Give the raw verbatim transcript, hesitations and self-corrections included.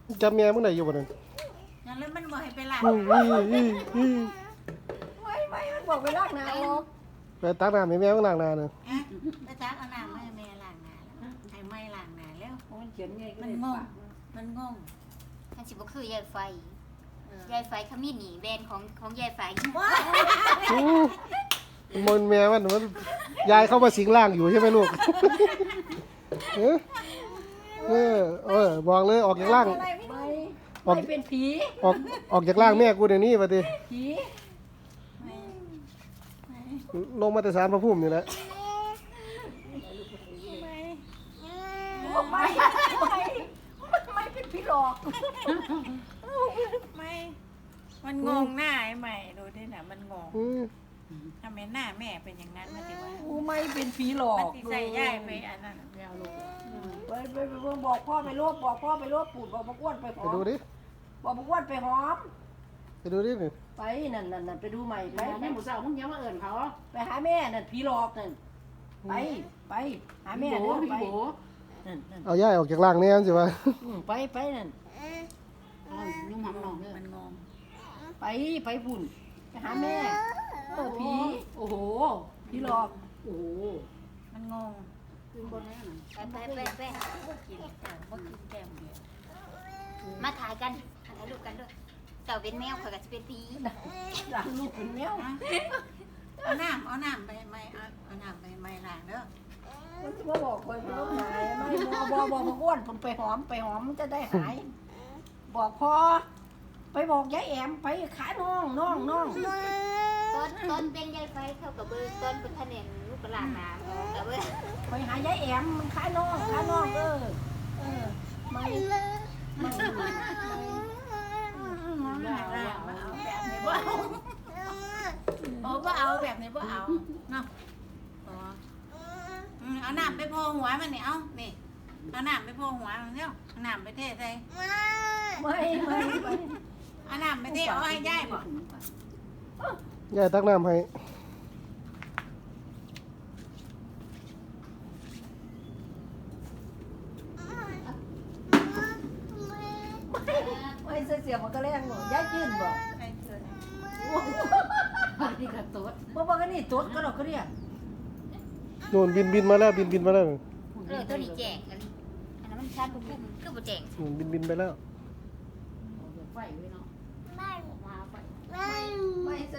จำแม่มึงได้อยู่บ่นั่นงั้นแล้วมันบอกให้ไปล้างอื้ออื้ออื้ออื้อไม่ไม่มันบอกไปล้างหน้าออกไปตักน้ำให้แม่มึงล้างหน้าน่ะอะไปตักเอาน้ำมาให้แม่ล้างหน้าแล้วให้แม่ล้างหน้าแล้วมันเขียนไงก็มันเลยงงปากมันงงท่านสิบ่คือยายไฟยายไฟขมิ้นหนีแบรนด์ของของยายไฟอื้อมันแม่มันมันยายเข้ามาสิงร่างอยู่ใช่ไหมลูกเออเออเออบอกเลยออกจากร่างอะไรไม่ไม่เป็นผีออกออกจากร่างแม่กูเดี๋ยวนี้ปะติผีไม่ไม่ลงมาแต่สารพระภูมินี่แหละไม่ไม่ไม่ไม่เป็นผีหลอกไม่ มันงงหน้าไอ้ใหม่ดูดิน่ะมันงงอือทำไมหน้าแม่เป็นอย่างนั้นมาติว่ากูไม่เป็นผีหลอมันกติใส่ย่ายไปอันนั้นไปเอาลูกไปไปไปบอกพ่อไปรวบบอกพ่อไปรวบปูดบอกบักอ้วนไปหไปอมดูดิบอกบักอ้วนไปหอมไปดูดินี่ไปนั่นนั่นนั่นไปดูใหม่ไปไปนี่หมูสาวมึงอยังมาเอิญเขาไปหาแม่นั่นผีหลอกนั่นไปไปหาแม่โบเด้อพี่ไปโบนั่นนั่นเอาย่ายออกจากร่างแน่สิวะอืมไปไปนั่นลุงหำหนองเด้อมันงงไปไปพุ่นไปหาแม่เออผีโอ้โหผีหลอกโอ้โหมันงงขึ้นบนนั้นน่ะไปไปไปไปกินแต่ว่ากินแก้มเดียวมาถ่ายกันถ่ายรูปกันด้วยเจ้าเป็นแมวข่อยก็สิเป็นผีหลานลูกเป็นแมวเอาน้ำเอาน้ำไปไม่เอาเอาน้ำไปไม่ล้างเด้อมันจะมาบอกคอยไปรบหายไม่บอกบอกบอกบักอ้วนผมไปหอมไปหอมมันจะได้หาย บอกพอไปบอกยายแอมไปขาน้องน้องน้องต้นต้นเป็นยายไฟเข้ากับเบอร์ต้นเป็นคะแนนลูกกระลาน้ำกับเบอร์ไปหายายแอมมันขาน้องขาน้องเออเออไม่ไม่ล้างล้างมาเอาแบบนี้บ่เอาโอ้บ่เอาแบบนี้บ่เอาเนาะอ๋ออืมเอาน้ำไปโพหัวมันนี่เอานี่เอาน้ำไปโพหัวมันเร็วเอาน้ำไปเทใส่ไม่ไม่ไม่เอาน้ำไปเทเอาให้ย่ายบ่ย่ายตักน้ำให้ไม่เสียมันก็แรงหนูยายจืนบ่ใครเกิดนี่กระตุ้ดบ่บอกกันนี่ตุ๊ดก็ดอกก็เรียกโน่นบินบินมาแล้วบินบินมาแล้วเออตัวนี้แจกอันอันนั้นมันชัดปุ๊บคือบ่แจกนู่นบินบินไปแล้วไฟไว้เนาะไม่